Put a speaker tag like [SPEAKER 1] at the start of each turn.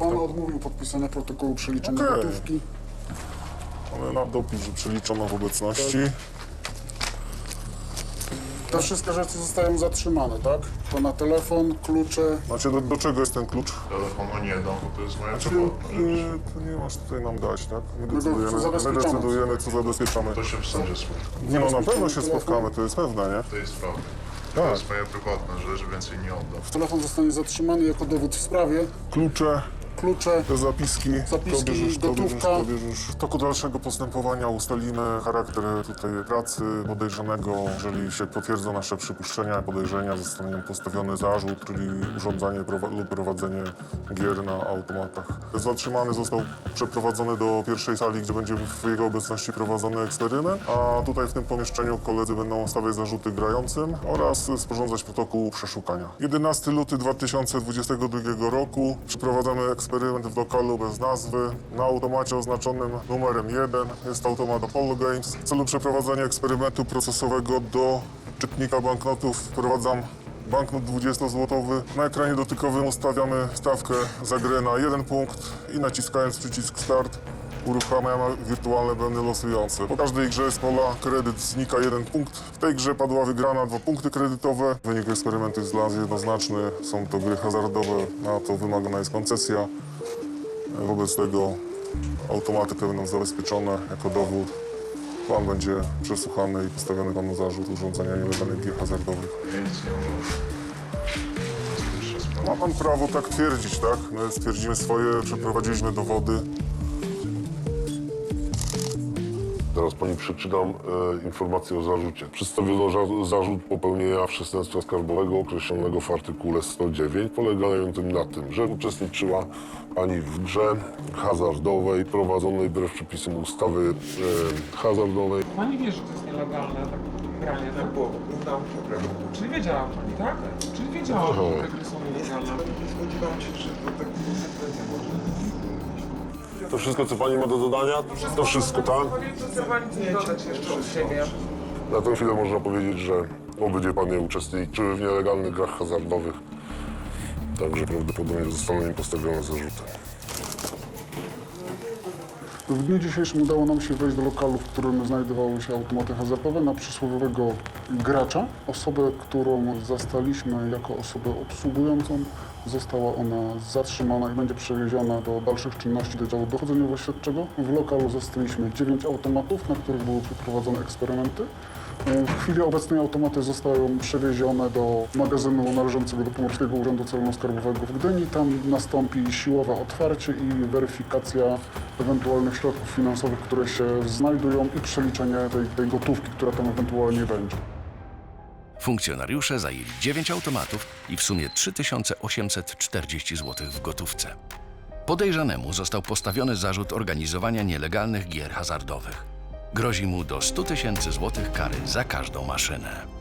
[SPEAKER 1] Pan odmówił podpisania protokołu przeliczenia gotówki.
[SPEAKER 2] Mamy na dopis, że przeliczono w obecności.
[SPEAKER 1] Te wszystkie rzeczy zostają zatrzymane, tak? To na telefon, klucze.
[SPEAKER 2] Znaczy, do czego jest ten klucz?
[SPEAKER 3] Telefonu nie dam, bo to jest moja
[SPEAKER 2] Znaczy,
[SPEAKER 3] prywatna rzecz.
[SPEAKER 2] to nie masz tutaj nam dać, tak? My
[SPEAKER 1] go zabezpieczamy.
[SPEAKER 2] decydujemy, co zabezpieczamy.
[SPEAKER 3] To się w sądzie spotka.
[SPEAKER 2] Nie no, na pewno się spotkamy, to jest pewne, nie?
[SPEAKER 3] To jest prawda.
[SPEAKER 2] Tak.
[SPEAKER 3] To jest moja prywatna rzecz, więcej nie oddam.
[SPEAKER 1] Telefon zostanie zatrzymany jako dowód w sprawie.
[SPEAKER 2] Klucze,
[SPEAKER 1] Klucze.
[SPEAKER 2] te zapiski,
[SPEAKER 1] Zapiski, gotówka.
[SPEAKER 2] to bierzesz. W toku dalszego postępowania ustalimy charakter tutaj pracy podejrzanego. Jeżeli się potwierdzą nasze przypuszczenia, podejrzenia, zostanie postawiony zarzut, czyli urządzanie lub prowadzenie gier na automatach. Zatrzymany został przeprowadzony do pierwszej sali, gdzie będzie w jego obecności prowadzony eksperyment, a tutaj w tym pomieszczeniu koledzy będą stawiać zarzuty grającym oraz sporządzać protokół przeszukania. 11 luty 2022 roku przeprowadzamy eksperyment w lokalu bez nazwy, na automacie oznaczonym numerem 1. Jest to automat Apollo Games. W celu przeprowadzenia eksperymentu procesowego do czytnika banknotów wprowadzam banknot 20-złotowy. Na ekranie dotykowym ustawiamy stawkę za grę na 1 punkt i naciskając przycisk Start uruchamiamy wirtualne bębny losujące. Po każdej grze z pola kredyt znika 1 punkt. W tej grze padła wygrana 2 punkty kredytowe. Wynik eksperymentu jest dla nas jednoznaczny. Są to gry hazardowe, na to wymagana jest koncesja. Wobec tego automaty te będą zabezpieczone jako dowód. Pan będzie przesłuchany i postawiony panu zarzut urządzenia nielegalnych gier hazardowych.
[SPEAKER 3] Ja nic nie oddam. To jest pierwsza sprawa.
[SPEAKER 2] Ma pan prawo tak twierdzić, tak? My stwierdzimy swoje, przeprowadziliśmy dowody.
[SPEAKER 4] Teraz pani przeczytam informację o zarzucie. Przedstawiono zarzut popełnienia przestępstwa skarbowego określonego w artykule 109, polegającym na tym, że uczestniczyła pani w grze hazardowej prowadzonej wbrew przepisom ustawy hazardowej.
[SPEAKER 5] Pani wie, że to jest nielegalne, tak granie, tak?
[SPEAKER 6] Było, udało się prawda.
[SPEAKER 5] Czyli wiedziała pani, tak? Czyli wiedziała, że te gry są nielegalne.
[SPEAKER 6] Nie spodziewałem się, że to tak konsekwencje może.
[SPEAKER 4] To wszystko, co pani ma do dodania? To wszystko, tak?
[SPEAKER 5] Chce pani coś dodać jeszcze od siebie?
[SPEAKER 4] Na tę chwilę można powiedzieć, że obydwie panie uczestniczyły w nielegalnych grach hazardowych. Także prawdopodobnie zostaną im postawione zarzuty.
[SPEAKER 1] W dniu dzisiejszym udało nam się wejść do lokalu, w którym znajdowały się automaty hazardowe, na przysłowiowego gracza. Osobę, którą zastaliśmy jako osobę obsługującą, została ona zatrzymana i będzie przewieziona do dalszych czynności do działu dochodzeniowo-śledczego. W lokalu zastaliśmy 9 automatów, na których były przeprowadzone eksperymenty. W chwili obecnej automaty zostają przewiezione do magazynu należącego do Pomorskiego Urzędu Celno-Skarbowego w Gdyni. Tam nastąpi siłowe otwarcie i weryfikacja ewentualnych środków finansowych, które się znajdują i przeliczenie tej gotówki, która tam ewentualnie będzie.
[SPEAKER 7] Funkcjonariusze zajęli 9 automatów i w sumie 3840 zł w gotówce. Podejrzanemu został postawiony zarzut organizowania nielegalnych gier hazardowych. Grozi mu do 100 000 złotych kary za każdą maszynę.